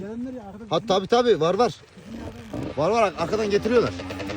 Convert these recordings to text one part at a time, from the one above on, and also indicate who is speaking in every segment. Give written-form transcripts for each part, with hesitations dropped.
Speaker 1: Gelenler ya arkada.
Speaker 2: Ha tabi var. Var arkadan getiriyorlar.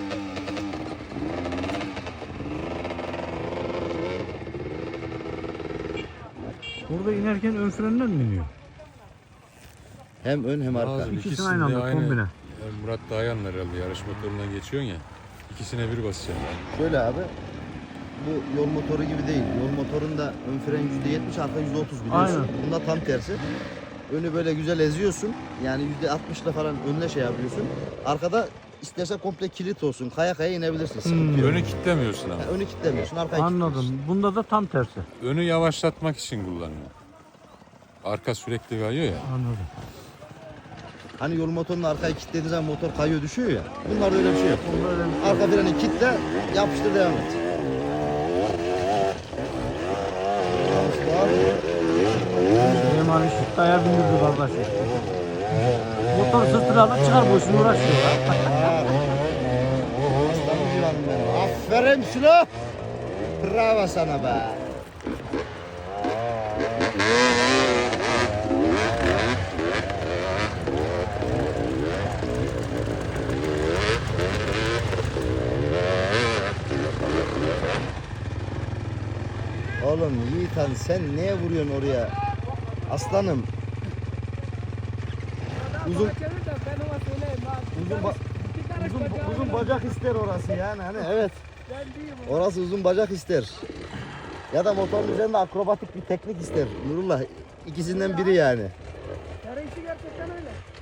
Speaker 3: Burada inerken ön frenden mi iniyor?
Speaker 2: Hem ön hem arka.
Speaker 4: Lazım.
Speaker 3: İkisini
Speaker 4: İkisini
Speaker 3: aynı
Speaker 4: de
Speaker 3: anda
Speaker 4: aynı.
Speaker 3: kombine.
Speaker 4: Yani Murat Dayan herhalde yarış motorundan geçiyorsun ya. İkisine bir basacaksın.
Speaker 2: Şöyle abi. Bu yol motoru gibi değil. Yol motorunda ön fren %70, arka %30 biliyorsun.
Speaker 3: Aynen.
Speaker 2: Bunda tam tersi. Önü böyle güzel eziyorsun. Yani %60'la falan önüne şey yapıyorsun. Arkada istersen komple kilit olsun. Kaya kaya inebilirsin. Sıkıntı yok.
Speaker 4: Önü kilitlemiyorsun ama.
Speaker 2: Yani önü kilitlemiyorsun, arkayı kilitliyorsun.
Speaker 3: Anladım. Bunda da tam tersi.
Speaker 4: Önü yavaşlatmak için kullanıyor. Arka sürekli kayıyor ya.
Speaker 3: Anladım.
Speaker 2: Hani yol motorunu arkayı kilitlediğin zaman motor kayıyor düşüyor ya. Bunlarda öyle bir şey yok.
Speaker 3: Bunda öyle bir şey.
Speaker 2: Arka freni kilitle, yapıştır devam et.
Speaker 3: Süleyman Işık'taya bindirdi kardeşim. Motor sırtına alıp çıkar boşuna uğraşıyor.
Speaker 2: Aslanım civanım benim. Aferin Sülo. Bravo sana be. Oğlum Yiğitan sen neye vuruyorsun oraya? Aslanım. Uzun uzun bacak ister orası yani hani evet. Orası uzun bacak ister. Ya da motorun üzerinde akrobatik bir teknik ister. Nurullah ikisinden biri yani.
Speaker 1: Yarışı gerçekten öyle.